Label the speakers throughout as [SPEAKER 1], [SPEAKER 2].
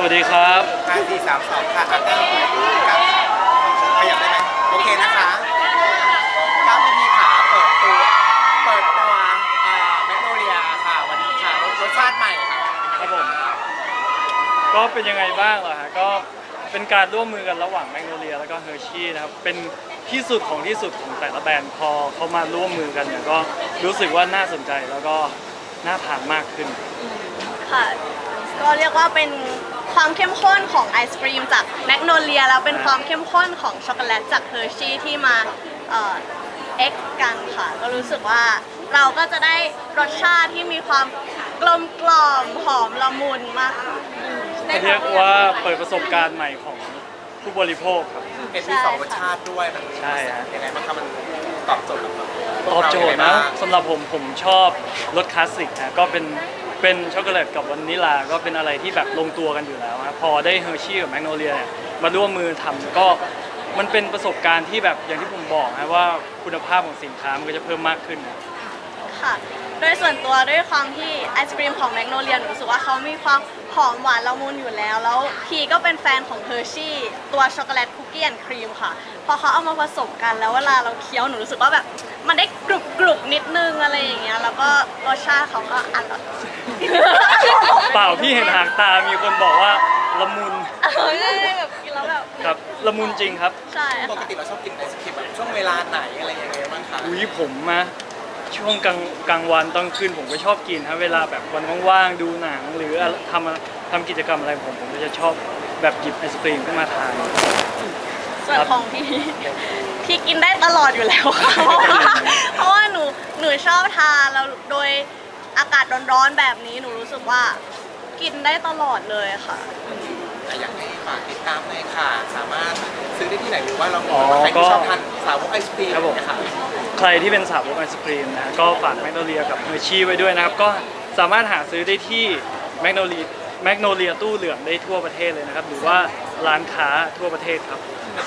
[SPEAKER 1] วัสดีครับ
[SPEAKER 2] 5 4 3 2ค่ะอาก้าวกับขยับได้ไหมโอเคนะคะก้าวพีขาเปิดตัวแมกโนเลียค่ะวันนี้ค่ะรสชาติใหม่ค่ะ
[SPEAKER 1] ครับผมก็เป็นยังไงบ้างเหรอฮะก็เป็นการร่วมมือกันระหว่างแมกโนเลียแล้วก็เฮอร์ชี่นะครับเป็นที่สุดของที่สุดของแต่ละแบรนด์พอเขามาร่วมมือกันเนี่ยก็รู้สึกว่าน่าสนใจแล้วก็น่าทานมากขึ้น
[SPEAKER 3] ค่ะก็เรียกว่าเป็นความเข้มข้นของไอศครีมจากแมกโนเลียแล้วเป็นความเข้มข้นของช็อกโกแลตจากเฮอร์ชี่ที่มาเอ็กกันค่ะก็รู้สึกว่าเราก็จะได้รสชาติที่มีความกลมกล่อมหอมละมุนมากค่ะ
[SPEAKER 1] เรียกว่าเปิดประสบการณ์ใหม่ของผู้บริโภคครับ
[SPEAKER 2] เห็นมี2 รสชาติด้วยมัน
[SPEAKER 1] ใช่ฮะ
[SPEAKER 2] ยังไงบ้างครับมันตอบโจทย์กับ
[SPEAKER 1] ตอบโจทย์นะสำหรับผมชอบรสคลาสสิกนะก็เป็นช็อกโกแลตกับวานิลาก็เป็นอะไรที่แบบลงตัวกันอยู่แล้วนะพอได้เฮอร์ชี่กับแมกโนเลียเนี่ยมาร่วมมือทำก็มันเป็นประสบการณ์ที่แบบอย่างที่ผมบอกนะว่าคุณภาพของสินค้ามันก็จะเพิ่มมากขึ้น
[SPEAKER 3] ค่ะโดยส่วนตัวด้วยความที่ไอศกรีมของแมกโนเลียหนูรู้สึกว่าเขามีความหอมหวานละมุนอยู่แล้วพีก็เป็นแฟนของเฮอร์ชี่ตัวช็อกโกแลตคุกกี้แอนด์ครีมค่ะพอเขาเอามาผสมกันแล้วเวลาเราเคี้ยวหนูรู้สึกว่าแบบมันได้กรุบนิดนึงอะไรอย่างเงี้ยแล้วก็รสชาติเขาก็อร่อย
[SPEAKER 1] เปล่าพี่เห็นหางตามีคนบอกว่าละมุน
[SPEAKER 3] แบบกินแล้วแบบ
[SPEAKER 1] ครับละมุนจริงครับ
[SPEAKER 3] ใช่
[SPEAKER 2] ปกติเราชอบกินไอศครีมแบบช่วงเวลาไหนอะไรยังไงบ้างคะ
[SPEAKER 1] อุ้ยผมนะช่วงกลางวันตอนคืนผมก็ชอบกินครับเวลาแบบวันว่างๆดูหนังหรือทำกิจกรรมอะไรผมก็จะชอบแบบหยิบไอศกรีมขึ้นมาทาน
[SPEAKER 3] ส่วนของพี่กินได้ตลอดอยู่แล้วค่ะเพราะว่าหนูชอบทานแล้วโดยอากาศร้อนๆแบบนี้หนูรู้สึกว่ากินได้ตลอดเลยค่ะ
[SPEAKER 2] อยากให้ฝากติดตามหน่อยค่ะสามารถซื้อได้ที่ไหนหรือว่าเราใครที่ชอบทานสาวกไอศครีมนะคะ
[SPEAKER 1] ใครที่เป็นสาวกไอศครีมนะก็ฝากแมกโนเลียกับเฮอร์ชี่ไว้ด้วยนะครับก็สามารถหาซื้อได้ที่แมกโนเลียตู้เหลืองได้ทั่วประเทศเลยนะครับหรือว่าร้านค้าทั่วประเทศครับ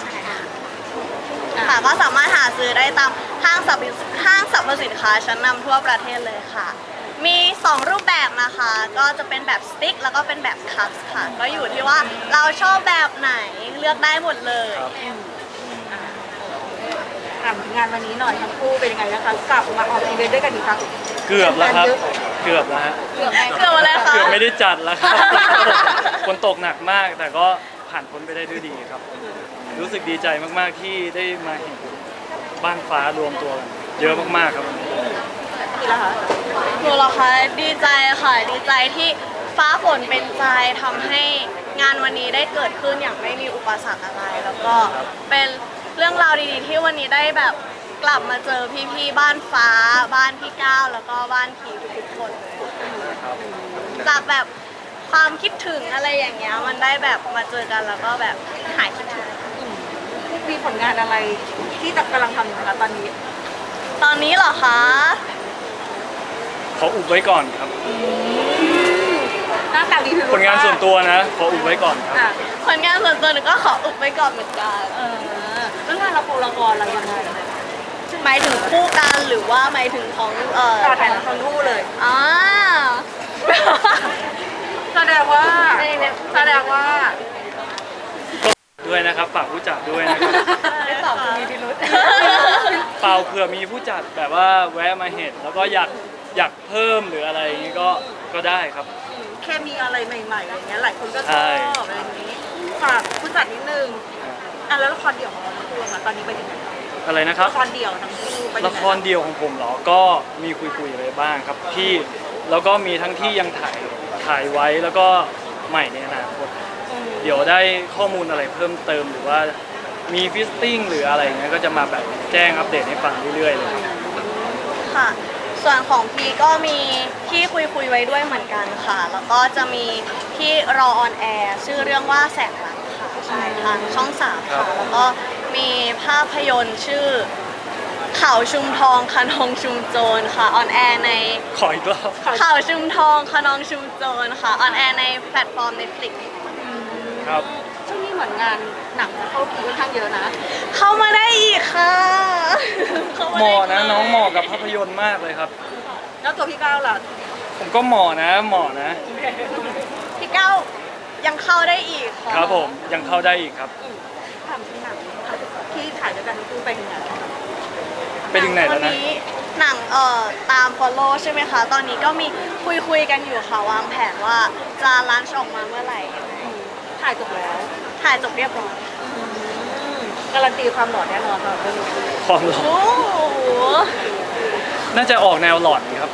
[SPEAKER 3] ค่ะก็สามารถหาซื้อได้ตามห้างสรรพสินค้าชั้นนำทั่วประเทศเลยค่ะมี2 รูปแบบนะคะก็จะเป็นแบบสติ๊กแล้วก็เป็นแบบคัพค่ะก็อยู่ที่ว่าเราชอบแบบไหนเลือกได้หมดเลย
[SPEAKER 4] ถามงานวันนี้หน่อยทั้งคู่เป็นยังไงนะคะกลับมาออกอีเวนต์ด้วยกันอีกครั้ง
[SPEAKER 1] เกือบแล้วครับเกือบแล้วฮะ
[SPEAKER 3] เกือบอะไรคะ
[SPEAKER 1] เกือบไม่ได้จัดแล้วครับฝนตกหนักมากแต่ก็ผ่านพ้นไปได้ด้วยดีครับรู้สึกดีใจมากๆที่ได้มาเห็นบ้านฟ้ารวมตัวกันเยอะมากๆครับวันนี้
[SPEAKER 3] หนูเหรอคะดีใจค่ะดีใจที่ฟ้าฝนเป็นใจทำให้งานวันนี้ได้เกิดขึ้นอย่างไม่มีอุปสรรคอะไรแล้วก็เป็นเรื่องราวดีๆที่วันนี้ได้แบบกลับมาเจอพี่ๆบ้านฟ้าบ้านพี่ก้าวแล้วก็บ้านพีทุกคนเลยจากแบบความคิดถึงอะไรอย่างเงี้ยมันได้แบบมาเจอกันแล้วก็แบบหายคิดถึง
[SPEAKER 4] มีผลงานอะไรที่กำลังทำอยู่คะตอนนี้
[SPEAKER 3] เหรอคะ
[SPEAKER 1] ขออุบไว้ก่อนครับ
[SPEAKER 4] หน้าตาดี
[SPEAKER 1] ผลงานส่วนตัวนะขออุบไว้ก่อนครับ
[SPEAKER 3] ผลงานส่วนตัวหนูก็ขออุบไว้ก่อนเหมือนกัน
[SPEAKER 4] เรื่องงานละครอะไรยังไง
[SPEAKER 3] หมายถึงคู่กันหรือว่าหมายถึงของ
[SPEAKER 4] ถ่ายละครคู่เลยแสดงว่า
[SPEAKER 1] ด้วยนะครับฝากผู้จัดด้วยนะครับ
[SPEAKER 4] ได้ตอบมีพิรุธ
[SPEAKER 1] เปล่าเผื่อมีผู้จัดแบบว่าแวะมาเห็นแล้วก็อยากเพิ่มหรืออะไรอย่างนี้ก็ได้ครับ
[SPEAKER 4] แค่มีอะไรใหม่ๆอะไรเงี้ยหลายคนก็ชอบอะไรอย่างนี้ฝากผู้จัดนิดนึงแล้วละครเดี่ยวของเราทั้งคู่ตอนนี้ไปถึงไหน
[SPEAKER 1] อะไรนะครับ
[SPEAKER 4] ละครเดี่ยวทั้งคู่
[SPEAKER 1] ละครเดี่ยวของผมเหรอก็มีคุยอะไรบ้างครับที่แล้วก็มีทั้งที่ยังถ่ายไว้แล้วก็ใหม่ในอนาคตเดี๋ยวได้ข้อมูลอะไรเพิ่มเติมหรือว่ามีฟิสติ้งหรืออะไรเงี้ยก็จะมาแบบแจ้งอัปเดตให้ฟังเรื่อยๆเลย
[SPEAKER 3] ค่ะส่วนของพีก็มีที่คุยไว้ด้วยเหมือนกันค่ะแล้วก็จะมีที่รอออนแอร์ชื่อเรื่องว่าแสงรักค่ะใช่ทางช่อง3ค่ะแล้วก็มีภาพยนตร์ชื่อเขาชุมทองคะนองชุมโจรค่ะออนแอร์ใน
[SPEAKER 1] ขออีกรอบ
[SPEAKER 3] เขาชุมทองคะนองชุมโจรค่ะออนแอร์ในแพลตฟอร์ม Netflix
[SPEAKER 1] ครับ
[SPEAKER 4] ช่วงนี้เหมือนงานหนังเข้าคิวค่อนข้างเยอะนะ
[SPEAKER 3] เข้ามาได้อีกค่ะ
[SPEAKER 1] เหมาะนะน้องเหมาะกับภาพยนตร์มากเลยครับ
[SPEAKER 4] แล้วตัวพี่ก้าวล่ะ
[SPEAKER 1] ผมก็เหมาะนะ
[SPEAKER 3] พี่ก้าวยังเข้าได้อีกค่ะ
[SPEAKER 1] ครับผมยังเข้าได้อีกครับ
[SPEAKER 4] ถามที่หนังที่ถ่ายด้วยกันทั้งคู่ไปยังไง
[SPEAKER 1] ไปถึงไหนแล้ว
[SPEAKER 3] ตอ
[SPEAKER 1] นะ
[SPEAKER 3] นี้หนังตาม follow ใช่ไหมคะ ตอนนี้ก็มีคุยกันอยู่ค่ะวางแผนว่าจะลันช์ออกมาเมื่อไหร่
[SPEAKER 4] ถ่ายจบแล้ว
[SPEAKER 3] ถ่ายจบเรียบร้อย
[SPEAKER 4] การันตีความหล่อแน่นอนค่ะเรื่องนี้
[SPEAKER 1] ความหลอน
[SPEAKER 3] โอ้โห
[SPEAKER 1] น่าจะออกแนวหลอนครับ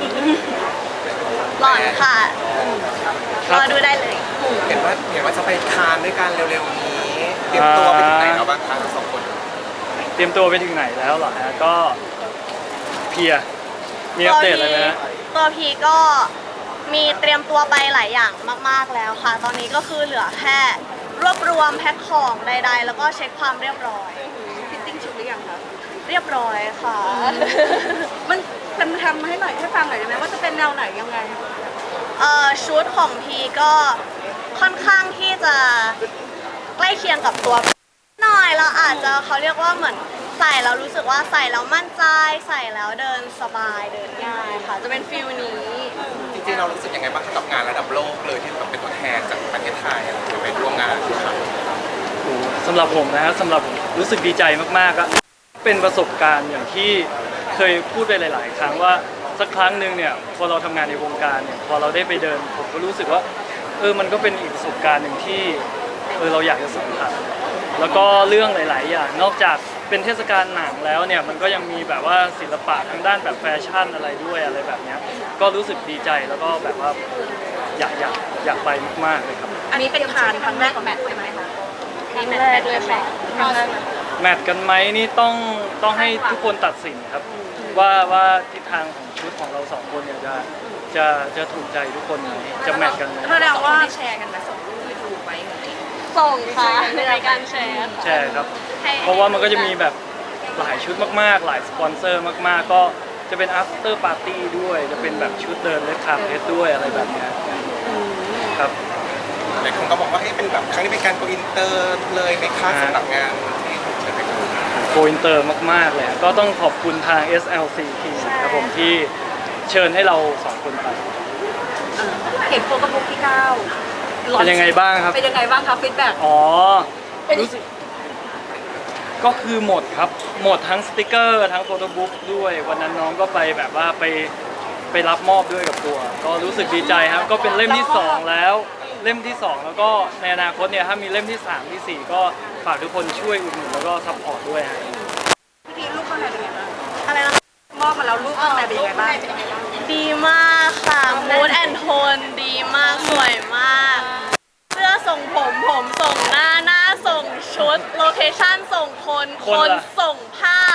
[SPEAKER 3] หล่อนค่ะ
[SPEAKER 1] ค
[SPEAKER 3] ร
[SPEAKER 1] รับ
[SPEAKER 3] อดูได้เลย
[SPEAKER 2] เห็นว่าจะไปคานด้วยกันเร็วๆนี้เตรียมตัวไปถึงไหนแล้วบ้างคะทั้งสองคน
[SPEAKER 1] เตรียมตัวไปถึงไหนแล้วเหรอฮะก็เพลียมีอัปเดตอะไรไหมฮะ
[SPEAKER 3] ตัวพีก็มีเตรียมตัวไปหลายอย่างมากๆแล้วค่ะ ตอนนี้ก็คือเหลือแค่รวบรวมแพ็คของใด ๆ แล้วก็เช็คความเรียบร้อย
[SPEAKER 4] ฟิตติ้งชุดหรือยังคะ
[SPEAKER 3] เรียบร้อยค่ะ
[SPEAKER 4] มันทำให้หน่อยให้ฟังหน่อยได้ไหมว่าจะเป็นแนวไหนยังไง
[SPEAKER 3] ชุดของพีก็ค่อนข้างที่จะใกล้เคียงกับตัวหน่อยเราอาจจะเขาเรียกว่าเหมือนใส่แล้วรู้สึกว่าใส่แล้วมั่นใจใส่แล้วเดินสบายเดินง่ายค่ะ จะเป็นฟิลนี้
[SPEAKER 2] จริงๆเรารู้สึกยังไงบ้างกับงานระดับโลกเลยที่แบบเป็นตัวแทนจากประเทศไทยจะไปร่วมงานครับ
[SPEAKER 1] สำหรับผมนะฮะสำหรับผมรู้สึกดีใจมากๆอะเป็นประสบการณ์อย่างที่เคยพูดไปหลาย ๆ ครั้งว่าสักครั้งหนึ่งเนี่ยพอเราทำงานในวงการเนี่ยพอเราได้ไปเดินผมก็รู้สึกว่ามันก็เป็นอีกประสบการณ์หนึ่งที่เราอยากจะสัมผัสแล้วก็เรื่องหลาย ๆ อย่างนอกจากเป็นเทศกาลหนังแล้วเนี่ยมันก็ยังมีแบบว่าศิลปะทางด้านแบบแฟชั่นอะไรด้วยอะไรแบบเนี้ยก็รู้สึกดีใจแล้วก็แบบว่าอยากไปมาก ๆ เลยครับ
[SPEAKER 4] อันนี้เป็นคานครั้งแรกของแมทใช่ไหมคะ
[SPEAKER 3] ครั้งแรกเลยค่ะ
[SPEAKER 4] ครั้งแรก
[SPEAKER 1] แมทกันไหมนี่ต้องให้ทุกคนตัดสินครับว่าทิศทางของชุดของเราสองคนเนี่ยจะถูกใจทุกคนไหมจะแมทกันไหม
[SPEAKER 4] แสดงว่า
[SPEAKER 5] แชร์กันไหมส่งรูปไปดูไว้ไง
[SPEAKER 3] ส่งค่ะในรายการแชร์ค่ะ
[SPEAKER 1] ใช่ครับ
[SPEAKER 3] ให้
[SPEAKER 1] เพราะว่ามันก็จะมีแบบหลายชุดมากๆ หลายสปอนเซอร์มากๆ ก็จะเป็น after party ด้วย จะเป็นแบบชุดเดินเลคคาเพสด้วยอะไรแบบเนี้ยครับ
[SPEAKER 2] หลายคนก็บอกว่าเป็นแบบครั้งนี้เป็นการโกอินเตอร์เลยไหมคะสำหรับงานที่ใช่ไหมครับ
[SPEAKER 1] โกอินเตอร์มากๆเลยก็ต้องขอบคุณทาง SLC ทีมครับผมที่เชิญให้เราสองคนไป
[SPEAKER 4] เห็นโฟกัสบุ๊กที่9
[SPEAKER 1] เป็นยังไงบ้างครับ
[SPEAKER 4] เป็นยังไงบ้างคะฟีดแบ็ก
[SPEAKER 1] อ๋อ รู้สึกก็คือหมดครับ หมดทั้งสติกเกอร์ทั้งโฟโต้บุ๊กด้วย วันนั้นน้องก็ไปแบบว่าไปรับมอบด้วยกับตัว ก็รู้สึกดีใจครับ ก็เป็นเล่มที่ 2 แล้ว เล่มที่ 2 แล้วก็ในอนาคตเนี่ยถ้ามีเล่มที่ 3 ที่ 4 ก็ฝากทุกคนช่วยอุดหนุนแล้วก็ซัพพอร์ตด้วยฮะ
[SPEAKER 4] พี่ลูกข้างในเป็นยังไงบ้าง
[SPEAKER 3] อะไรนะ
[SPEAKER 4] มอบมาแล้วลูกข้างในเป็นยังไงบ้าง
[SPEAKER 3] ดีมากค่ะ มูดแอนโทนดีมาก สวยมาก เสื้อส่งผมส่งหน้าส่งชุด โลเคชั่นส่งคน
[SPEAKER 1] ค
[SPEAKER 3] คน น
[SPEAKER 1] ล่ะ
[SPEAKER 3] ส่งผ้า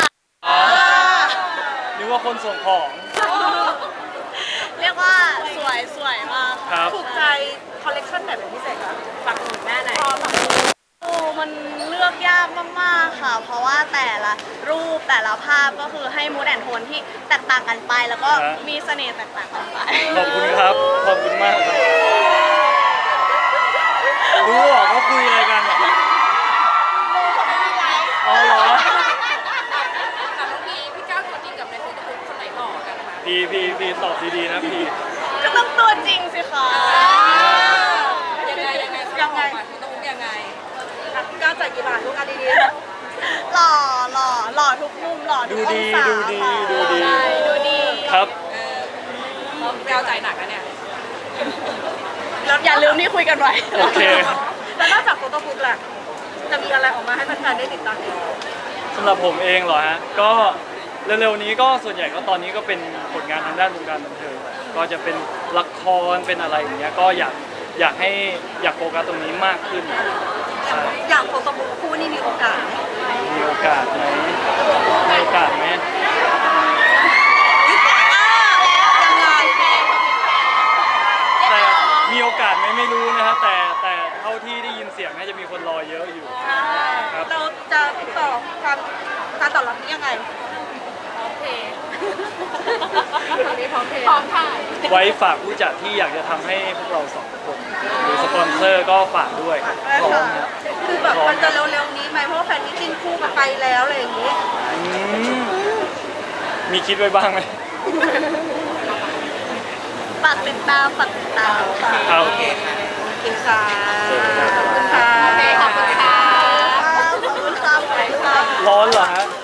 [SPEAKER 1] นึกว่าคนส่งของ
[SPEAKER 3] เรียกว่าสวยมาก
[SPEAKER 1] ค
[SPEAKER 3] ค่ะ
[SPEAKER 1] รับ
[SPEAKER 4] ถูกใจคอลเลกชันไหนเป็นพิเศษคะฝากหนุนแม่ไหนอย
[SPEAKER 3] โอ้มันเลือกยากมากๆค่ะ เพราะว่าแต่ละรูปแต่ละภาพก็คือให้มูดแอนโทนที่แตกต่างกันไป แล้วก็
[SPEAKER 1] ฮะ
[SPEAKER 3] มีเสน่ห์แตกต่างกันไป
[SPEAKER 1] ขอบคุณครับ ขอบคุณมากครับ รู้เหรอเขาคุยอะไรกันอะอ๋อเหรอ
[SPEAKER 5] แต่บางทีพี่ก้าวตัวจริงกับในโฟโต้บุ๊กคนไหนหล่อกันคะ
[SPEAKER 1] พีตอบดีๆนะพี
[SPEAKER 3] ก็ต้องตัวจริงสิคะ
[SPEAKER 5] ยังไงยังไงเขาบอกมาโฟโต้บุ๊กยังไง
[SPEAKER 4] พี่ก้าวจ่ายกี่บาทลูกอันดี
[SPEAKER 3] หล่อทุกมุมหล่อทุกองศา
[SPEAKER 1] ดูดี
[SPEAKER 3] ค่ะ
[SPEAKER 1] ดูดี
[SPEAKER 3] ใช่ดูดี
[SPEAKER 1] ครับ
[SPEAKER 5] พี่ก้าวใจหนักนะเนี่ย
[SPEAKER 3] อย่าลืมที่คุยกันไว้
[SPEAKER 1] โอเค
[SPEAKER 4] ๆแล้วนอกจากโฟโต้บุ๊กล่ะจะมีอะไรออกมาให้แฟนๆได้ติดตามอีก
[SPEAKER 1] สำหรับผมเองเหรอฮะ ก็เร็วๆนี้ก็ส่วนใหญ่ก็ตอนนี้ก็เป็นผลงานทางด้านวงการบันเทิงแหละก็จะเป็นละครเป็นอะไรอย่างเงี้ย ก็อยากโฟกัสตรงนี้มากขึ้นใช่
[SPEAKER 4] อย่างโฟโต้บุ๊กคู่นี่มีโอกาสไหม
[SPEAKER 1] มีโอกาสไหมมีโอกาสไหม
[SPEAKER 4] ยังไง
[SPEAKER 1] แต่มีโอกาสไหมไม่รู้นะฮะแต่เท่าที่ได้ยินเสียงน่าจะมีคนรอเยอะอยู่ ครับ
[SPEAKER 4] เราจะติดต่อการตอบรับนี้ยังไง
[SPEAKER 5] พร้อมถ่าย
[SPEAKER 1] ไว้ฝากผู้จัดที่อยากจะทำให้พวกเราสองคนหรือสปอนเซอร์ก็ฝากด้วยพร้อมนะ
[SPEAKER 4] คือแบบมันจะเร็วๆนี้ไหมเพราะว่าแฟนมิตติ้งคู่กันไปแล้วอะไรอย่างนี้
[SPEAKER 1] อืมมีคิดไว้บ้างไหม
[SPEAKER 3] ฝากติดตามค่ะ
[SPEAKER 1] ครับ
[SPEAKER 2] โอเคค่ะ
[SPEAKER 4] เคค่ะขอบคุณค่ะ
[SPEAKER 5] ขอบคุณค่ะ
[SPEAKER 3] ขอบคุณค่ะ
[SPEAKER 1] ร้อนเหรอฮะ